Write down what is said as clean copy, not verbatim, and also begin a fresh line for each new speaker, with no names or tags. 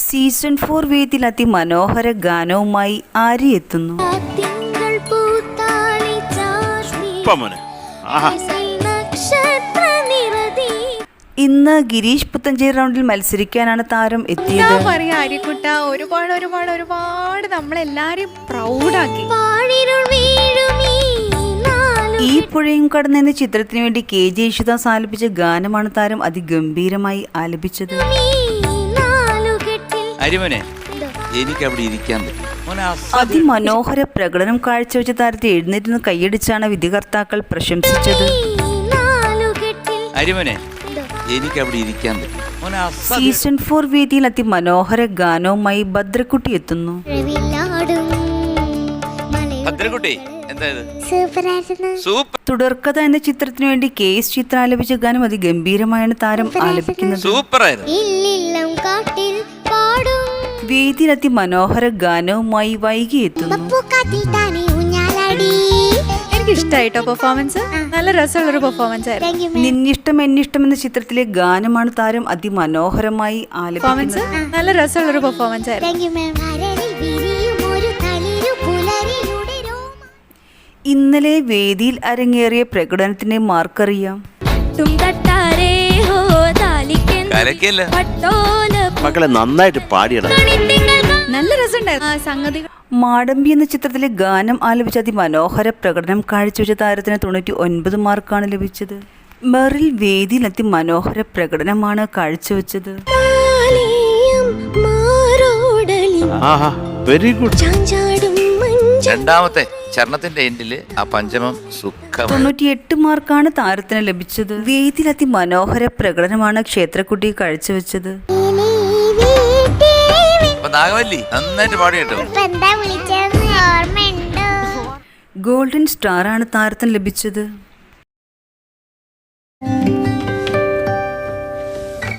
Season 4 വേദിയിൽ അതിമനോഹര ഗാനവുമായി ആര്യ എത്തുന്നു. ഇന്ന് ഗിരീഷ് പുത്തഞ്ചേരി റൗണ്ടിൽ മത്സരിക്കാനാണ് താരം എത്തിയത്.
ഒരുപാട് നമ്മളെല്ലാരും പ്രൗഡാക്കി.
ഈ പുഴയും കടന്ന് എന്ന ചിത്രത്തിന് വേണ്ടി KJ യേശുദാസ് ആലപിച്ച ഗാനമാണ് താരം അതിഗംഭീരമായി ആലപിച്ചത്. അതിമനോഹര പ്രകടനം കാഴ്ചവെച്ച താരത്തെ എഴുന്നേറ്റ് കൈയടിച്ചാണ് വിധികർത്താക്കൾ പ്രശംസിച്ചത്. സീസൺ 4 വേദിയിൽ അതിമനോഹര ഗാനവുമായി ഭദ്രക്കുട്ടി എത്തുന്നു. തുടർക്കഥ എന്ന ചിത്രത്തിനു വേണ്ടി KS ചിത്ര ആലപിച്ച ഗാനം അതിഗംഭീരമായാണ് താരം ആലപിക്കുന്നത്. വേദിയിൽ അതിമനോഹര ഗാനവുമായി വൈകി എത്തുന്നു.
എനിക്കിഷ്ടായിട്ടോ പെർഫോമൻസ്, നല്ല രസമുള്ളൊരു പെർഫോമൻസ് ആയിരുന്നു.
നിന്നിഷ്ടം എന്നിഷ്ടം എന്ന ചിത്രത്തിലെ ഗാനമാണ് താരം അതിമനോഹരമായി ആലപിക്കുന്നത്.
നല്ല രസമുള്ളൊരു പെർഫോമൻസ് ആയിരുന്നു.
ഇന്നലെ വേദിയിൽ അരങ്ങേറിയ പ്രകടനത്തിന്റെ മാർക്കറിയാം.
മക്കളെ നന്നായിട്ട് പാടിയടാ,
നല്ല രസമുണ്ടായിരുന്നു സംഗതി.
മാടമ്പി എന്ന ചിത്രത്തിലെ ഗാനം ആലപിച്ച അതിമനോഹര പ്രകടനം കാഴ്ചവെച്ച താരത്തിന് 99 മാർക്കാണ് ലഭിച്ചത്. മെറിൽ വേദിയിൽ അതിമനോഹര പ്രകടനമാണ് കാഴ്ചവെച്ചത്.
Very good.
രണ്ടാമത്തെ ചരണത്തിന്റെ എൻഡില് ആ പഞ്ചമം സുഖം.
98 മാർക്കാണ് താരത്തിന് ലഭിച്ചത്. വേദിയിൽ അതിമനോഹര പ്രകടനമാണ് ക്ഷേത്രക്കുട്ടി കാഴ്ചവെച്ചത്.
നാഗവല്ലി നന്നായിട്ട് പാടി കേട്ടോ.
ഗോൾഡൻ സ്റ്റാർ ആണ് താരത്തിന് ലഭിച്ചത്.